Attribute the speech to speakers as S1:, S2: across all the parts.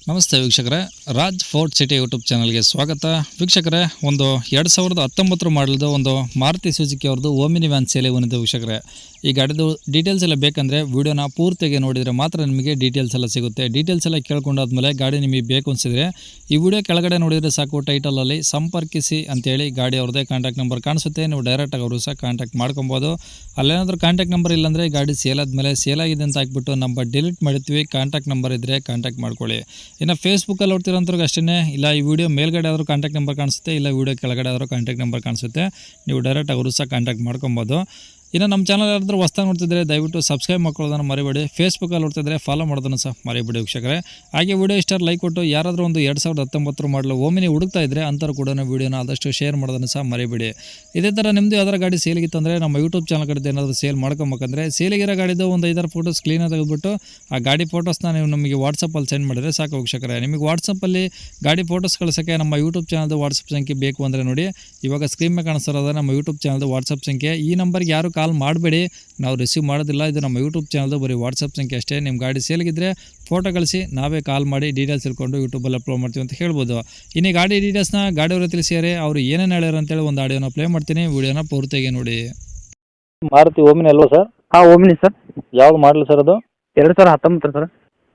S1: ನಮಸ್ತೆ ವೀಕ್ಷಕರೇ, Raj fort city YouTube ಚಾನಲ್ಗೆ ಸ್ವಾಗತ. ವೀಕ್ಷಕರೇ, ಒಂದು 2019 ಮಾಡಲ್ದು ಒಂದು ಮಾರುತಿ ಸುಜುಕಿ ಅವ್ರದ್ದು ಓಮಿನಿ ವ್ಯಾನ್ ಸೇಲೆ ಬಂದಿದೆ ವೀಕ್ಷಕರೇ. ಈ ಗಾಡಿದು ಡೀಟೇಲ್ಸ್ ಎಲ್ಲ ಬೇಕಂದರೆ ವಿಡಿಯೋನ ಪೂರ್ತಿಯಾಗಿ ನೋಡಿದರೆ ಮಾತ್ರ ನಿಮಗೆ ಡೀಟೇಲ್ಸ್ ಎಲ್ಲ ಸಿಗುತ್ತೆ. ಡೀಟೇಲ್ಸ್ ಎಲ್ಲ ಕೇಳ್ಕೊಂಡಾದ್ಮೇಲೆ ಗಾಡಿ ನಿಮಗೆ ಬೇಕು ಅನಿಸಿದರೆ ಈ ವಿಡಿಯೋ ಕೆಳಗಡೆ ನೋಡಿದರೆ ಸಾಕು, ಟೈಟಲಲ್ಲಿ ಸಂಪರ್ಕಿಸಿ ಅಂತೇಳಿ ಗಾಡಿ ಅವ್ರದ್ದೇ ಕಾಂಟ್ಯಾಕ್ಟ್ ನಂಬರ್ ಕಾಣಿಸುತ್ತೆ. ನೀವು ಡೈರೆಕ್ಟಾಗಿ ಅವರು ಸಹ ಕಾಂಟ್ಯಾಕ್ಟ್ ಮಾಡ್ಕೊಬೋದು. ಅಲ್ಲೇನಾದರೂ ಕಾಂಟ್ಯಾಕ್ಟ್ ನಂಬರ್ ಇಲ್ಲಾಂದರೆ ಗಾಡಿ ಸೇಲ್ ಆದಮೇಲೆ ಸೇಲ್ ಆಗಿದೆ ಅಂತ ಹಾಕ್ಬಿಟ್ಟು ನಂಬರ್ ಡಿಲೀಟ್ ಮಾಡಿರ್ತೀವಿ. ಕಾಂಟ್ಯಾಕ್ಟ್ ನಂಬರ್ ಇದ್ದರೆ ಕಾಂಟ್ಯಾಕ್ಟ್ ಮಾಡ್ಕೊಳ್ಳಿ. ಇನ್ನು ಫೇಸ್ಬುಕ್ಕಲ್ಲಿ ನೋಡ್ತಿರೋಂಥವ್ರಿಗೆ ಅಷ್ಟೇ, ಇಲ್ಲ ಈ ವಿಡಿಯೋ ಮೇಲ್ಗಡೆ ಆದರೂ ಕಾಂಟ್ಯಾಕ್ಟ್ ನಂಬರ್ ಕಾಣಿಸುತ್ತೆ, ಇಲ್ಲ ವಿಡಿಯೋ ಕೆಳಗಡೆ ಆದರೂ ಕಾಂಟ್ಯಾಕ್ಟ್ ನಂಬರ್ ಕಾಣಿಸುತ್ತೆ. ನೀವು ಡೈರೆಕ್ಟಾಗಿ ಅವರು ಸಹ ಕಾಂಟ್ಯಾಕ್ಟ್ ಮಾಡ್ಕೊಬೋದು. ಇನ್ನು ನಮ್ಮ ಚಾನಲ್ ಯಾರಾದರೂ ಹೊಸ್ದಾಗಿ ನೋಡ್ತಿದ್ರೆ ದಯವಿಟ್ಟು ಸಬ್ಸ್ಕ್ರೈಬ್ ಮಾಡ್ಕೊಳ್ಳೋದನ್ನು ಮರಿಬೇಡಿ. ಫೇಸ್ಬುಕ್ಕಲ್ಲಿ ನೋಡ್ತಿದ್ರೆ ಫಾಲೋ ಮಾಡೋದನ್ನು ಸಹ ಮರಿಬೇಡಿ ವೀಕ್ಷಕರೇ. ಹಾಗೆ ವಿಡಿಯೋ ಇಷ್ಟ ಲೈಕ್ ಕೊಟ್ಟು ಯಾರಾದರೂ ಒಂದು 2019 ಮಾಡಲು ಓಮಿನಿ ಹುಡುಕ್ತಾ ಇದ್ದರೆ ಅಂಥವ್ರು ಕೂಡ ವಿಡಿಯೋನ ಆದಷ್ಟು ಶೇರ್ ಮಾಡೋದನ್ನು ಸಹ ಮರಿಬೇಡಿ. ಇದೇ ಥರ ನಿಮ್ಮದು ಯಾವ್ದಾರ ಗಾಡಿ ಸೇಲಿಗಿತ್ತಂದರೆ ನಮ್ಮ ಯೂಟ್ಯೂಬ್ ಚಾನಲ್ ಕಡೆ ಏನಾದರೂ ಸೇಲ್ ಮಾಡ್ಕೊಬೇಕಂದ್ರೆ ಸೇಲಿಗಿರೋ ಗಾಡಿದು ಒಂದು 5 ಫೋಟೋಸ್ ಕ್ಲೀನಾಗಿ ತೆಗೆದುಬಿಟ್ಟು ಆ ಗಾಡಿ ಫೋಟೋಸ್ನ ನೀವು ನಮಗೆ ವಾಟ್ಸಪ್ಪಲ್ಲಿ ಸೆಂಡ್ ಮಾಡಿದರೆ ಸಾಕು ವೀಕ್ಷಕರೇ. ನಿಮಗೆ ವಾಟ್ಸಪ್ಪಲ್ಲಿ ಗಾಡಿ ಫೋಟೋಸ್ ಕಳಿಸೋಕ್ಕೆ ನಮ್ಮ ಯೂಟ್ಯೂಬ್ ಚಾನಲ್ದು ವಾಟ್ಸಪ್ ಸಂಖ್ಯೆ ಬೇಕು ಅಂದರೆ ನೋಡಿ, ಇವಾಗ ಸ್ಕ್ರೀನ್ ಮೇಲೆ ಕಾಣಿಸ್ತಿರೋದು ನಮ್ಮ ಯೂಟ್ಯೂಬ್ ಚಾನಲ್ದು ವಾಟ್ಸಪ್ ಸಂಖ್ಯೆ. ಈ ನಂಬರ್ಗೆ ಯಾರು ಕಾಲ್ ಮಾಡಬೇಡಿ, ನಾವು ರಿಸೀವ್ ಮಾಡೋದಿಲ್ಲ. ಇದು ನಮ್ಮ ಯೂಟ್ಯೂಬ್ ಚಾನಲ್ದು ಬರೀ ವಾಟ್ಸಪ್ ಸಂಖ್ಯೆ ಅಷ್ಟೇ. ನಿಮ್ಮ ಗಾಡಿ ಸೇಲ್ಗಿದ್ರೆ ಫೋಟೋ ಕಳಿಸಿ, ನಾವೇ ಕಾಲ್ ಮಾಡಿ ಡೀಟೇಲ್ಸ್ ತಿಳ್ಕೊಂಡು ಯೂಟ್ಯೂಬಲ್ಲಿ ಅಪ್ಲೋಡ್ ಮಾಡ್ತೀವಿ ಅಂತ ಹೇಳ್ಬೋದು. ಇನ್ನು ಗಾಡಿ ಡೀಟೇಲ್ಸ್ನ ಗಾಡಿಯವರು ತಿಳಿಸಿದರೆ ಅವರು ಏನೇನು ಹೇಳ್ಯಾರ ಅಂತೇಳಿ ಒಂದು ಆಡಿಯೋನ ಪ್ಲೇ ಮಾಡ್ತೀನಿ, ವಿಡಿಯೋನ ಪೂರ್ತಿಯಾಗಿ ನೋಡಿ.
S2: ಮಾರುತಿ ಓಮಿನಿ ಅಲ್ವಾ ಸರ್?
S3: ಹಾಂ, ಓಮಿನಿ ಸರ್.
S2: ಯಾವ್ದು ಮಾಡಲಿ ಸರ್ ಅದು?
S3: 2019 ಸರ್.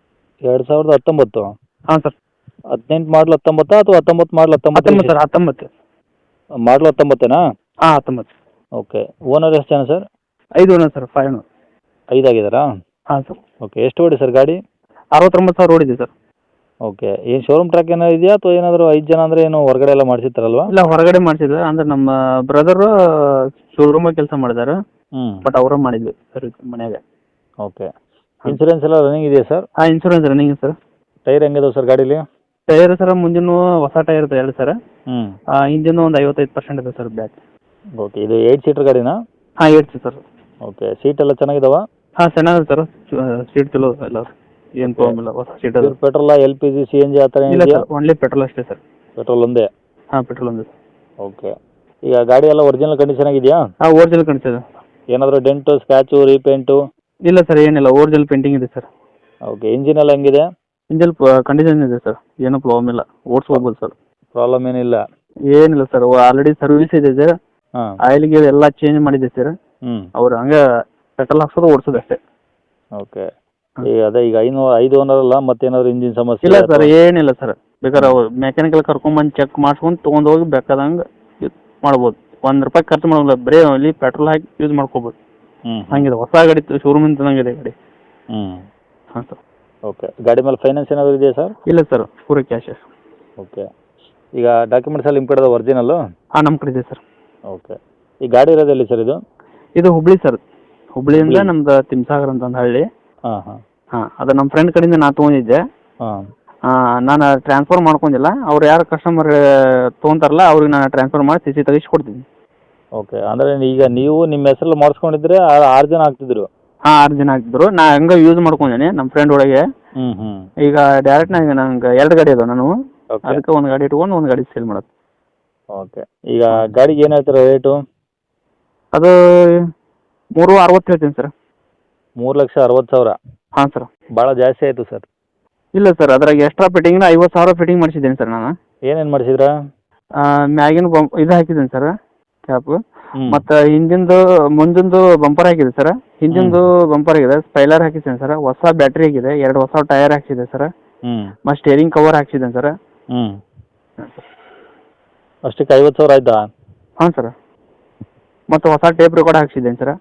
S2: 2019?
S3: ಹಾಂ ಸರ್.
S2: 18 ಮಾಡಲ್ 19 ಅಥವಾ 19 ಮಾಡಲ್
S3: 19 ಸರ್. 19
S2: ಮಾಡಲ್ 19ನಾ?
S3: ಹಾಂ, 19.
S2: ಓಕೆ. ಓನರ್ ಎಷ್ಟು ಜನ ಸರ್?
S3: 5 owner sir. 5 ಓನರ್.
S2: 5 ಆಗಿದ್ದಾರಾ?
S3: ಹಾಂ ಸರ್.
S2: ಓಕೆ. ಎಷ್ಟು ಓಡಿ ಸರ್ ಗಾಡಿ?
S3: 69,000 ಓಡಿದೆ ಸರ್.
S2: ಓಕೆ. ಏನು ಶೋರೂಮ್ ಟ್ರ್ಯಾಕ್ ಏನಾದ್ರು ಇದೆಯಾ ಅಥವಾ ಏನಾದರೂ 5 ಜನ ಅಂದರೆ ಏನು ಹೊರಗಡೆ ಎಲ್ಲ ಮಾಡಿಸಿರ್ತಾರಲ್ವಾ?
S3: ಇಲ್ಲ, ಹೊರಗಡೆ ಮಾಡಿಸಿದ್ರು. ಅಂದರೆ ನಮ್ಮ ಬ್ರದರು ಶೋರೂಮಾಗ ಕೆಲಸ ಮಾಡಿದಾರೆ. ಬಟ್ ಅವರ ಮಾಡಿದ್ವಿ ಸರ್ ಮನ್ಯಾಗ.
S2: ಓಕೆ. ಇನ್ಸೂರೆನ್ಸ್ ಎಲ್ಲ ರನ್ನಿಂಗ್ ಇದೆಯಾ ಸರ್?
S3: ಹಾಂ, ಇನ್ಶೂರೆನ್ಸ್ ರನ್ನಿಂಗ್ ಸರ್.
S2: ಟೈರ್ ಹೆಂಗಿದಾವೆ ಸರ್ ಗಾಡೀಲಿ?
S3: ಟೈರ್ ಸರ್ ಮುಂದಿನ ಹೊಸ ಟೈರ್ ಇದೆ 2 ಸರ್. ಇಂಜಿನ್ ಒಂದು 55% ಇದೆ ಸರ್ ಬ್ಯಾಕ್.
S2: ಓಕೆ. ಇದು 8 ಸೀಟರ್ ಗಾಡಿನಾ?
S3: ಹಾಂ, 8 ಸರ್.
S2: ಓಕೆ. ಸೀಟ್ ಎಲ್ಲ ಚೆನ್ನಾಗಿದಾವ?
S3: ಹಾಂ, ಚೆನ್ನಾಗಿದೆ ಸರ್. ಸೀಟ್ ಚಲೋ ಎಲ್ಲ, ಏನು ಪ್ರಾಬ್ಲಮ್ ಇಲ್ಲ. ಹೊಸ ಸೀಟ್ ಅದು.
S2: ಪೆಟ್ರೋಲ್, LPG, CNG ಆ ಥರ
S3: ಇಲ್ಲ
S2: ಇದೆಯಾ?
S3: ಸರ್, ಓನ್ಲಿ ಪೆಟ್ರೋಲ್ ಅಷ್ಟೇ ಸರ್.
S2: ಪೆಟ್ರೋಲ್ ಒಂದೇ?
S3: ಹಾಂ, ಪೆಟ್ರೋಲ್ ಒಂದೇ ಸರ್.
S2: ಓಕೆ. ಈಗ ಗಾಡಿ ಎಲ್ಲ ಒರಿಜಿನಲ್ ಕಂಡೀಷನ್ ಆಗಿದೆಯಾ?
S3: ಹಾಂ, ಓರಿಜಿನಲ್ ಕಂಡೀಷನ್.
S2: ಏನಾದರೂ ಡೆಂಟು, ಸ್ಕ್ರ್ಯಾಚು, ರೀಪೇಂಟು?
S3: ಇಲ್ಲ ಸರ್, ಏನಿಲ್ಲ. ಓರಿಜಿನಲ್ ಪೇಂಟಿಂಗ್ ಇದೆ ಸರ್.
S2: ಓಕೆ. ಇಂಜಿನ್ ಎಲ್ಲ ಹೆಂಗಿದೆ?
S3: ಇಂಜಿನ್ ಕಂಡೀಷನ್ ಇದೆ ಸರ್. ಏನೂ ಪ್ರಾಬ್ಲಮ್ ಇಲ್ಲ. ಓಡಿಸ್ಕೋಬೋದು ಸರ್.
S2: ಪ್ರಾಬ್ಲಮ್ ಏನಿಲ್ಲ?
S3: ಏನಿಲ್ಲ ಸರ್. ಆಲ್ರೆಡಿ ಸರ್ವಿಸ್ ಇದೆ ಸರ್.
S2: ಹಾಂ.
S3: ಆಯಿಲ್ಗೆ ಎಲ್ಲ ಚೇಂಜ್ ಮಾಡಿದೆ ಸರ್. ಅವ್ರು ಹಂಗೆ ಪೆಟ್ರೋಲ್ ಹಾಕ್ಸೋದು ಓಡಿಸೋದು ಅಷ್ಟೇ.
S2: ಓಕೆ. ಈಗ ಅದೇ ಈಗ 5 ಓನರ್ ಅಲ್ಲ, ಮತ್ತೇನಾದ್ರು ಇಂಜಿನ್ ಸಮಸ್ಯೆ?
S3: ಇಲ್ಲ ಸರ್, ಏನಿಲ್ಲ ಸರ್. ಬೇಕಾದ್ರೆ ಅವ್ರು ಮೆಕ್ಯಾನಿಕಲ್ ಕರ್ಕೊಂಬಂದು ಚೆಕ್ ಮಾಡ್ಸ್ಕೊಂಡು ತೊಗೊಂಡು ಹೋಗಿ ಬೇಕಾದಂಗೆ ಮಾಡ್ಬೋದು. ₹1 ಖರ್ಚು ಮಾಡೋಲ್ಲ. ಬರೀ ಅಲ್ಲಿ ಪೆಟ್ರೋಲ್ ಹಾಕಿ ಯೂಸ್ ಮಾಡ್ಕೋಬೋದು. ಹಂಗಿದೆ. ಹೊಸ ಗಾಡಿ ಶೋರೂಮಿಂದ ತಂದಂಗಿದೆ ಗಾಡಿ. ಹಾಂ ಸರ್.
S2: ಓಕೆ. ಗಾಡಿ ಮೇಲೆ ಫೈನಾನ್ಸ್ ಏನಾದರೂ ಇದೆಯಾ ಸರ್?
S3: ಇಲ್ಲ ಸರ್, ಪೂರ ಕ್ಯಾಶ್.
S2: ಓಕೆ. ಈಗ ಡಾಕ್ಯುಮೆಂಟ್ಸ್ ಎಲ್ಲ ನಿಮ್ಮ ಕಡೆ ಒರಿಜಿನಲ್ಲು?
S3: ಹಾಂ, ನಮ್ಮ ಕಡೆ ಇದೆ ಸರ್.
S2: ಓಕೆ. ಈ ಗಾಡಿ ಇರೋದೆಲ್ಲಿ ಸರ್ ಇದು?
S3: ಇದು ಹುಬ್ಳಿ ಸರ್. ಹುಬ್ಳಿಯಿಂದ ನಮ್ದು ತಿಮ್ಸಾಗರ್ ಅಂತ ಒಂದು ಹಳ್ಳಿ.
S2: ಹಾಂ ಹಾಂ
S3: ಹಾಂ, ಅದು ನಮ್ಮ ಫ್ರೆಂಡ್ ಕಡೆಯಿಂದ ನಾ ತೊಗೊಂಡಿದ್ದೆ.
S2: ಹಾಂ.
S3: ನಾನು ಟ್ರಾನ್ಸ್ಫರ್ ಮಾಡ್ಕೊಂಡಿಲ್ಲ. ಅವ್ರು ಯಾರು ಕಸ್ಟಮರ್ ತೊಗೊಂತಾರಲ್ಲ ಅವ್ರಿಗೆ ನಾನು ಟ್ರಾನ್ಸ್ಫರ್ ಮಾಡಿ CC ತೆಗಿಸಿ ಕೊಡ್ತೀನಿ.
S2: ಓಕೆ. ಅಂದರೆ ಈಗ ನೀವು ನಿಮ್ಮ ಹೆಸರಲ್ಲಿ ಮಾಡಿಸ್ಕೊಂಡಿದ್ರೆ 6 ಜನ ಆಗ್ತಿದ್ರು?
S3: ಹಾಂ, 6 ಜನ ಆಗ್ತಿದ್ರು. ನಾ ಹಂಗೆ ಯೂಸ್ ಮಾಡ್ಕೊಂಡೇನೆ ನಮ್ಮ ಫ್ರೆಂಡ್ ಒಳಗೆ. ಈಗ ಡೈರೆಕ್ಟ್ ನಂಗೆ 2 ಗಾಡಿ ಅದಾವೆ. ನಾನು ಅದಕ್ಕೆ ಒಂದು ಗಾಡಿ ಇಟ್ಕೊಂಡು ಒಂದು ಗಾಡಿ ಸೇಲ್ ಮಾಡೋದು.
S2: ಓಕೆ. ಈಗ ಗಾಡಿಗೆ ಏನು ಹೇಳ್ತೀರಾ ರೇಟು?
S3: ಅದು 3.60 ಹೇಳ್ತೀನಿ ಸರ್.
S2: 3,60,000?
S3: ಹಾಂ ಸರ್.
S2: ಭಾಳ ಜಾಸ್ತಿ ಆಯಿತು ಸರ್.
S3: ಇಲ್ಲ ಸರ್, ಅದ್ರಾಗ ಎಕ್ಸ್ಟ್ರಾ ಫಿಟ್ಟಿಂಗ್ನ 50,000 ಫಿಟ್ಟಿಂಗ್ ಮಾಡಿಸಿದ್ದೇನೆ ಸರ್ ನಾನು.
S2: ಏನೇನು ಮಾಡಿಸಿದ್ರಾ?
S3: ಮ್ಯಾಗಿನ ಇದು ಹಾಕಿದ್ದೀನಿ ಸರ್, ಕ್ಯಾಪು. ಮತ್ತು ಹಿಂದಿಂದು ಮುಂದಿಂದು ಬಂಪರ್ ಹಾಕಿದೆ ಸರ್. ಹಿಂದಿಂದು ಬಂಪರ್ ಆಗಿದೆ. ಸ್ಪೈಲರ್ ಹಾಕಿದ್ದೇನೆ ಸರ್. ಹೊಸ ಬ್ಯಾಟ್ರಿ ಆಗಿದೆ. 2 ಹೊಸ ಟೈರ್ ಹಾಕ್ಸಿದೆ ಸರ್. ಮತ್ತು ಸ್ಟೇರಿಂಗ್ ಕವರ್ ಹಾಕ್ಸಿದ್ದೇನೆ ಸರ್.
S2: ಅಷ್ಟಕ್ಕೆ 50,000 ಆಯ್ತಾ?
S3: ಹಾಂ ಸರ್. ಮತ್ತು ಹೊಸ ಟೇಪ್ ರೆಕಾರ್ಡ್ ಹಾಕ್ಸಿದ್ದೇನೆ ಸರ್.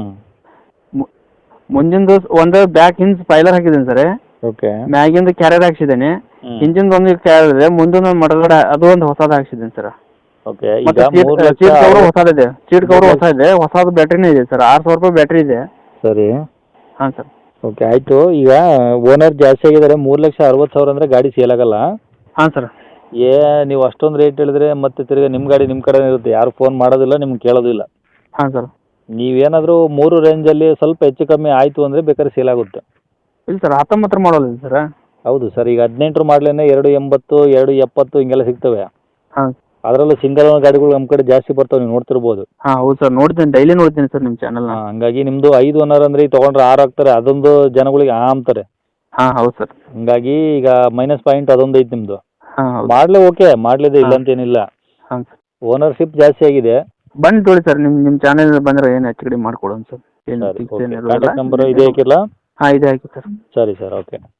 S3: ಮುಂದಿಂದು ಒಂದು ಬ್ಯಾಕ್ ಹಿಂದ್ ಸ್ಪೈಲರ್ ಹಾಕಿದ್ದೇನೆ ಸರ್.
S2: ಓಕೆ.
S3: ಮ್ಯಾಗಿಂದು ಕ್ಯಾರಿಯರ್ ಹಾಕ್ಸಿದ್ದೇನೆ. ಇಂಜಿನ್ ಒಂದು ಕ್ಯಾರಿಯರ್ ಇದೆ. ಮುಂದೊಂದು ಮಡಗಡೆ ಅದು ಒಂದು ಹೊಸದು ಹಾಕ್ಸಿದ್ದೇನೆ ಸರ್.
S2: ಓಕೆ. ಈಗ
S3: ಸೀಟ್ ಕವರ್ ಹೊಸದಿದೆ. ಸೀಟ್ ಕವರ್ ಹೊಸ ಇದೆ. ಹೊಸದು ಬ್ಯಾಟ್ರಿನೇ ಇದೆ ಸರ್. ₹6,000 ಬ್ಯಾಟ್ರಿ ಇದೆ.
S2: ಸರಿ.
S3: ಹಾಂ ಸರ್.
S2: ಓಕೆ, ಆಯಿತು. ಈಗ ಓನರ್ ಜಾಸ್ತಿ ಆಗಿದ್ದಾರೆ. 3,60,000 ಅಂದರೆ ಗಾಡಿ ಸೇಲ್ ಆಗಲ್ಲ.
S3: ಹಾಂ ಸರ್.
S2: ನೀವು ಅಷ್ಟೊಂದು ರೇಟ್ ಹೇಳಿದ್ರೆ ಮತ್ತೆ ತಿರ್ಗಿ ನಿಮ್ಮ ಗಾಡಿ ನಿಮ್ಮ ಕಡೆ ಇರುತ್ತೆ. ಯಾರು ಫೋನ್ ಮಾಡೋದಿಲ್ಲ, ನಿಮ್ಗೆ ಕೇಳೋದಿಲ್ಲ.
S3: ಹಾಂ ಸರ್.
S2: ನೀವೇನಾದರೂ 3 ರೇಂಜಲ್ಲಿ ಸ್ವಲ್ಪ ಹೆಚ್ಚು ಕಮ್ಮಿ ಆಯಿತು ಅಂದರೆ ಬೇಕಾದ್ರೆ ಸೇಲ್ ಆಗುತ್ತೆ.
S3: ಇಲ್ಲ ಸರ್, 19 ಮಾಡಲ್ ಇದೆ ಸರ್.
S2: ಹೌದು ಸರ್. ಈಗ 18 ಮಾಡಲೇನೆ 280, 270 ಹಿಂಗೆಲ್ಲ ಸಿಗ್ತವೆ.
S3: ಹಾಂ.
S2: ಅದರಲ್ಲೂ ಸಿಂಗಲ್ ಗಾಡಿಗಳು ನಮ್ಮ ಕಡೆ ಜಾಸ್ತಿ ಬರ್ತಾವೆ, ನೀವು ನೋಡ್ತಿರ್ಬೋದು.
S3: ಹಾಂ, ಹೌದು ಸರ್. ನೋಡ್ತೀನಿ, ಡೈಲಿ ನೋಡ್ತೀನಿ ಸರ್ ನಿಮ್ಮ ಚಾನಲ್ನ.
S2: ಹಂಗಾಗಿ ನಿಮ್ಮದು 5 ಓನರ್ ಅಂದರೆ ತೊಗೊಂಡ್ರೆ 6 ಆಗ್ತಾರೆ. ಅದೊಂದು ಜನಗಳಿಗೆ ಅಂತಾರೆ.
S3: ಹಾಂ ಹೌದು ಸರ್.
S2: ಹಂಗಾಗಿ ಈಗ ಮೈನಸ್ ಪಾಯಿಂಟ್ ಅದೊಂದು ಐತೆ ನಿಮ್ಮದು.
S3: ಹಾಂ ಹೌದು.
S2: ಮಾಡಲೇ ಓಕೆ, ಮಾಡಲಿದೆ ಇಲ್ಲ ಅಂತೇನಿಲ್ಲ.
S3: ಹಾಂ ಸರ್.
S2: ಓನರ್ಶಿಪ್ ಜಾಸ್ತಿ ಆಗಿದೆ.
S3: ಬಂದು ತೊಳಿ ಸರ್, ನಿಮ್ಮ ಚಾನಲ್ ಬಂದರೆ ಏನು ಹೆಚ್ಚು ಕಡಿಮೆ ಮಾಡ್ಕೊಡೋಣ ಸರ್. ಏನು
S2: ಸರಿ,
S3: ಫಿಕ್ಸ್
S2: ಓಕೆ.
S3: ಏನಿರೋದಿಲ್ಲ.
S2: ಕಾಂಟ್ಯಾಕ್ಟ್ ನಂಬರು ಇದೇ ಹಾಕಿರಲಾ?
S3: ಹಾಂ ಇದೇ ಹಾಕಿ ಸರ್.
S2: ಸರಿ ಸರ್, ಓಕೆ.